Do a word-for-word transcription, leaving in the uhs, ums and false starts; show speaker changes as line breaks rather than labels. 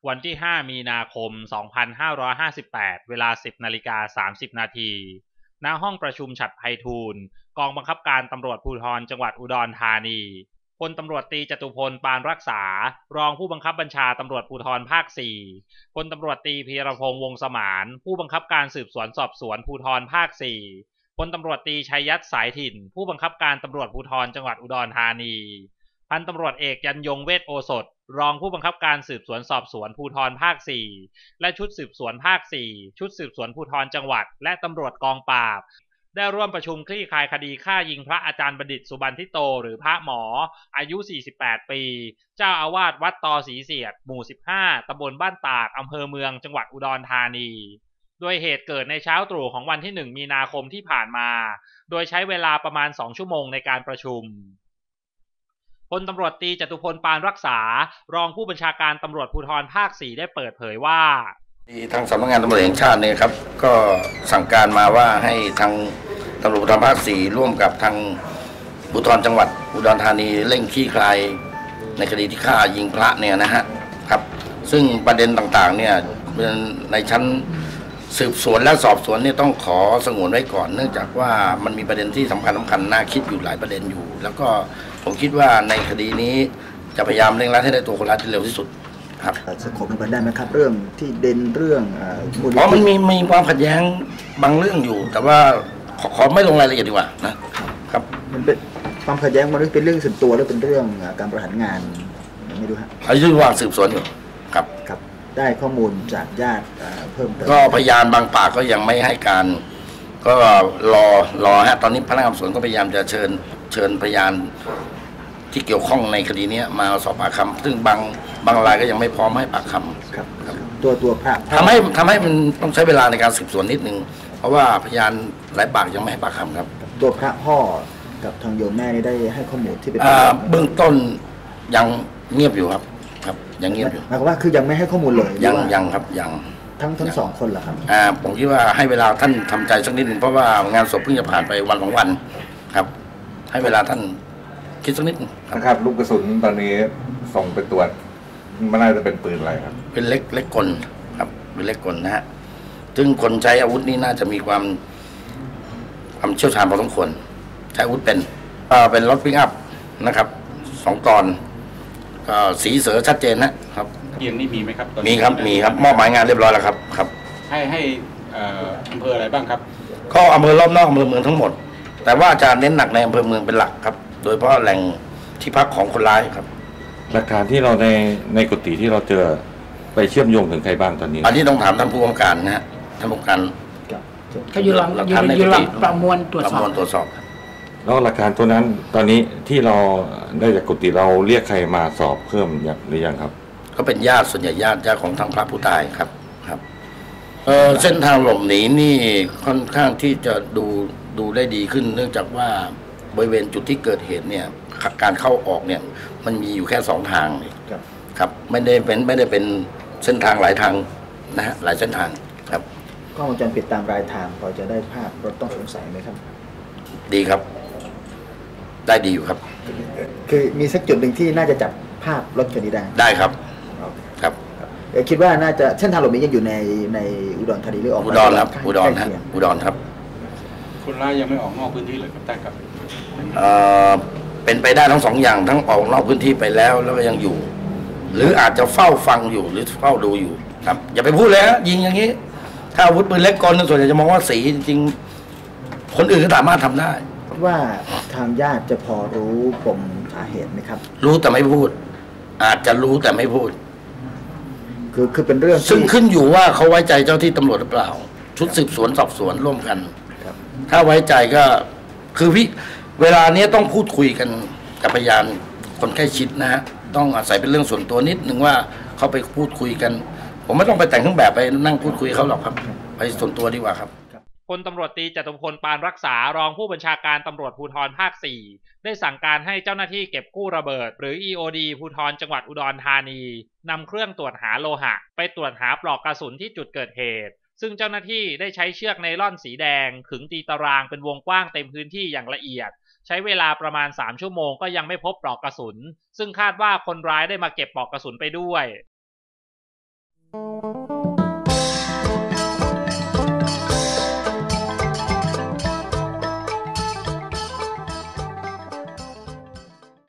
วันที่ห้ามีนาคมสองพันห้าร้อยห้าสิบแปดเวลา สิบนาฬิกาสามสิบนาทีณห้องประชุมฉัตรไพฑูรย์กองบังคับการตำรวจภูธรจังหวัดอุดรธานีพลตำรวจตรีจตุพลปานรักษารองผู้บังคับบัญชาตำรวจภูธรภาคสี่พลตำรวจตรีพีรพงษ์วงศ์สมานผู้บังคับการสืบสวนสอบสวนภูธรภาคสี่พลตำรวจตรีชัยยัตสายถิ่นผู้บังคับการตำรวจภูธรจังหวัดอุดรธานีพันตำรวจเอกยันยงเวชโอสถรองผู้บังคับการสืบสวนสอบสวนภูธรภาคสี่และชุดสืบสวนภาคสี่ชุดสืบสวนภูธรจังหวัดและตำรวจกองปราบได้ร่วมประชุมคลี่คลายคดีฆ่ายิงพระอาจารย์บัณฑิตสุบรรณทิโตหรือพระหมออายุสี่สิบแปดปีเจ้าอาวาสวัดตอศรีเสียดหมู่สิบห้าตำบลบ้านตากอำเภอเมืองจังหวัดอุดรธานีโดยเหตุเกิดในเช้าตรู่ของวันที่หนึ่งมีนาคมที่ผ่านมาโดยใช้เวลาประมาณสองชั่วโมงในการประชุมพลตำรวจตรีจตุพลปานรักษารองผู้บัญชาการตำรวจภูธรภาคสี่ได้เปิดเผยว่า
ทางสำนักงานตำรวจแห่งชาติเนี่ยครับก็สั่งการมาว่าให้ทางตำรวจภูธรภาคสี่ร่วมกับทางภูธรจังหวัดอุดรธานีเร่งคลี่คลายในคดีที่ฆ่ายิงพระเนี่ยนะฮะครับซึ่งประเด็นต่างๆเนี่ยในชั้นสืบสวนและสอบสวนเนี่ยต้องขอสงวนไว้ก่อนเนื่องจากว่ามันมีประเด็นที่สำคัญสำคัญน่าคิดอยู่หลายประเด็นอยู่แล้วก็ผมคิดว่าในคดีนี้จะพยายามเร่งรัดให้ได้ตัวคนร้ายที่เร็วที่สุดครับ
สกบมันได้ไหมครับเรื่องที่เด่นเรื่อง
อ๋อมันมีมีความขัดแย้งบางเรื่องอยู่แต่ว่าขอขอไม่ลงรายละเอียดดีกว่านะครับ
มันเป็นความขัดแย้งมันเป็นเรื่องส่วนตัวหรือเป็นเรื่องการบริหารงานไม่รู้ฮะ
อายุระหว่างสืบสวนอยู่ครับ
ครับได้ข้อมูลจากญาติเพิ่มเติม
ก็พยานบางปากก็ยังไม่ให้การก็รอรอฮะตอนนี้พนักงานสอบสวนก็พยายามจะเชิญเชิญพยานที่เกี่ยวข้องในคดีนี้มาสอบปากคำซึ่งบางบางรายก็ยังไม่พร้อมให้ปากคำ
ครับตัวตัวพระ
ทำให้ทำให้มันต้องใช้เวลาในการสืบสวนนิดนึงเพราะว่าพยานหลายปากยังไม่ให้ปากคำครับ
ตัวพระพ่อกับทางโยมแม่นี่ได้ให้ข้อมูลที่เป็น
เบื้องต้นยังเงียบอยู่ครับครับยังเงียบอยู่
หมายความว่าคือยังไม่ให้ข้อมูลเลย
ยังยังครับยัง
ทั้งทั้งสองคนเหรอครับ
อ่าผมคิดว่าให้เวลาท่านทำใจสักนิดนึงเพราะว่างานศพเพิ่งจะผ่านไปวันสองวันครับให้เวลาท่านคิดสักนิด
นะครับลูกกระสุนตอนนี้ส่งไปตรวจมันน่าจะเป็นปืนอะไรครับ
เป็นเล็กเล็กกลครับเป็นเล็กกลนะฮะซึ่งคนใช้อาวุธนี้น่าจะมีความความเชี่ยวชาญพอสมควรใช้อาวุธเป็นเอ่อเป็นรถปิกอัพนะครับสองตอนก็สีเสือชัดเจนนะครับ
เยี่ยงนี่มีไหมครับ
มีครับมีครับมอบหมายงานเรียบร้อยแล้วครับครับ
ให้ให้อำเภออะไรบ้างครับ
ก็อำเภอรอบนอกอำเภอเมืองทั้งหมดแต่ว่าจะเน้นหนักในอำเภอเมืองเป็นหลักครับโดยเฉพาะแหล่งที่พักของคนร้ายครับ
หลักฐานที่เราในในกุฏิที่เราเจอไปเชื่อมโยงถึงใครบ้างตอนนี้
อันนี้ต้องถามท่านผู้กำกับการนะฮะท่านผู้กำกับการ
เขาอยู่หลังอยู่หลังประมวลตรวจสอบประมวล
ตรวจสอบ
แล้วหลักฐานตัวนั้นตอนนี้ที่เราได้จากกุฏิเราเรียกใครมาสอบเพิ่มหรือยังครับ
ก็เป็นญาติส่วนใหญ่ญาติญาติของทางพระผู้ตายครับครับเออเส้นทางหลบหนีนี่ค่อนข้างที่จะดูดูได้ดีขึ้นเนื่องจากว่าบริเวณจุดที่เกิดเหตุเนี่ยการเข้าออกเนี่ยมันมีอยู่แค่สองทางครับไม่ได้เป็นไม่ได้เป็นเส้นทางหลายทางนะฮะหลายเส้นทางครับ
กล้องวงจรปิดตามรายทางพอจะได้ภาพรถต้องสงสัยไหมครับ
ดีครับได้ดีอยู่ครับ
คือมีสักจุดหนึ่งที่น่าจะจับภาพรถคันนี้ได้
ได้ครับครับ
คิดว่าน่าจะเส้นทางหลบหนียังอยู่ในในอุดรธานีหรือออก
อุดรครับอุดรฮะอุดรครับ
คนร้ายยังไม่ออกนอกพื้นที่เลยครับแต่ครับ
เอ่อเป็นไปได้ทั้งสองอย่างทั้งออกนอกพื้นที่ไปแล้วแล้วก็ยังอยู่หรืออาจจะเฝ้าฟังอยู่หรือเฝ้าดูอยู่ครับอย่าไปพูดเลยฮะยิงอย่างนี้ถ้าอาวุธปืนเล็กกลส่วนใหญ่จะมองว่าสีจริงๆคนอื่นก็สามารถทำได้
ว่าทางญาติจะพอรู้ปมสาเหตุไหมครับ
รู้แต่ไม่พูดอาจจะรู้แต่ไม่พูด
คือคือเป็นเรื่อง
ซึ่งขึ้นอยู่ว่าเขาไว้ใจเจ้าที่ตำรวจหรือเปล่าชุดสืบสวนสอบสวนร่วมกันถ้าไว้ใจก็คือพี่เวลานี้ต้องพูดคุยกันกับพยานคนใกล้ชิดนะฮะต้องอาศัยเป็นเรื่องส่วนตัวนิดนึงว่าเขาไปพูดคุยกันผมไม่ต้องไปแต่งเครื่องแบบไปนั่งพูดคุยเขาหรอกครับไปส่วนตัวดีกว่าครับ
พลตำรวจตรีจตุพลปานรักษารองผู้บัญชาการตำรวจภูธรภาคสี่ได้สั่งการให้เจ้าหน้าที่เก็บกู้ระเบิดหรือ อี โอ ดี ภูธรจังหวัดอุดรธานีนำเครื่องตรวจหาโลหะไปตรวจหาปลอกกระสุนที่จุดเกิดเหตุซึ่งเจ้าหน้าที่ได้ใช้เชือกไนล่อนสีแดงขึงตีตารางเป็นวงกว้างเต็มพื้นที่อย่างละเอียดใช้เวลาประมาณสามชั่วโมงก็ยังไม่พบปลอกกระสุนซึ่งคาดว่าคนร้ายได้มาเก็บปลอกกระสุนไปด้วย
ครับ